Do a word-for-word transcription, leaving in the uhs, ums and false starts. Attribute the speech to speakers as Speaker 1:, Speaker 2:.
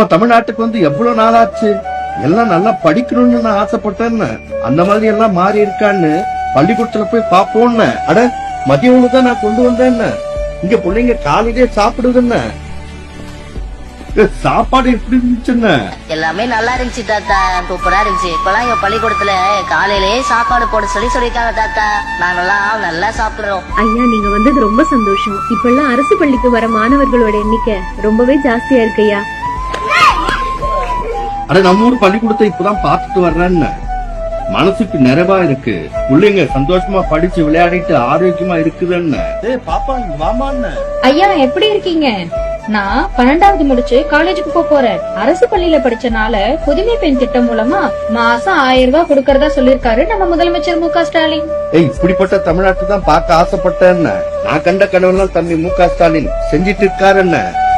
Speaker 1: நம்ம தமிழ்நாட்டுக்கு வந்து எவ்வளவு நாளாச்சு. எல்லாம் நல்லா படிக்கணும்னு நான் ஆசைப்பட்டேன்னு, அந்த மாதிரி எல்லாம் மாறி இருக்கான்னு பள்ளிக்கூடத்துல போய் பாப்போம்னு. அட மதிய உணவு தான் நான் கொண்டு வந்தேன்னு. இங்க பிள்ளைங்க காலையிலே சாப்பிடுதுன்னு. சாப்பாடு எப்படி இருந்துச்சுன்னு?
Speaker 2: எல்லாமே நல்லா இருந்துச்சு தாத்தா, சூப்பரா இருந்துச்சு. இப்பெல்லாம் எங்க பள்ளிக்கூடத்துல காலையிலேயே சாப்பாடு போட சொல்லி சொல்லிருக்காங்க தாத்தா. நாங்கெல்லாம் நல்லா சாப்பிடுறோம்.
Speaker 3: ஐயா, நீங்க வந்தது ரொம்ப சந்தோஷம். இப்ப எல்லாம் அரசு பள்ளிக்கு வர மாணவர்களோட எண்ணிக்கை ரொம்பவே ஜாஸ்தியா இருக்கு ஐயா.
Speaker 1: அட நம்ம ஊர் பள்ளிக்கூடத்தை இப்பதான் பாத்துட்டு வர்றேன்னு மனசுக்கு நிறைவா இருக்கு. பிள்ளைங்க சந்தோஷமா படிச்சு விளையாடிட்டு ஆரோக்கியமா இருக்குதுன்னு. பாப்பா மாமான்னு.
Speaker 4: ஐயா எப்படி இருக்கீங்க? நான் பன்னெண்டாவது முடிச்சு காலேஜுக்கு போக போறேன். அரசு பள்ளியில படிச்சனால புதுமை பெண் திட்டம் மூலமா மாசம் ஆயிரம் ரூபாய் கொடுக்கறதா சொல்லிருக்காரு நம்ம முதலமைச்சர் மு க ஸ்டாலின்.
Speaker 1: ஏய், இப்படிப்பட்ட தமிழ்நாட்டு தான் பார்க்க ஆசைப்பட்டேன்னு. நான் கண்ட கனவுலாம் தம்பி மு க ஸ்டாலின் செஞ்சிட்டு இருக்காருன்னு.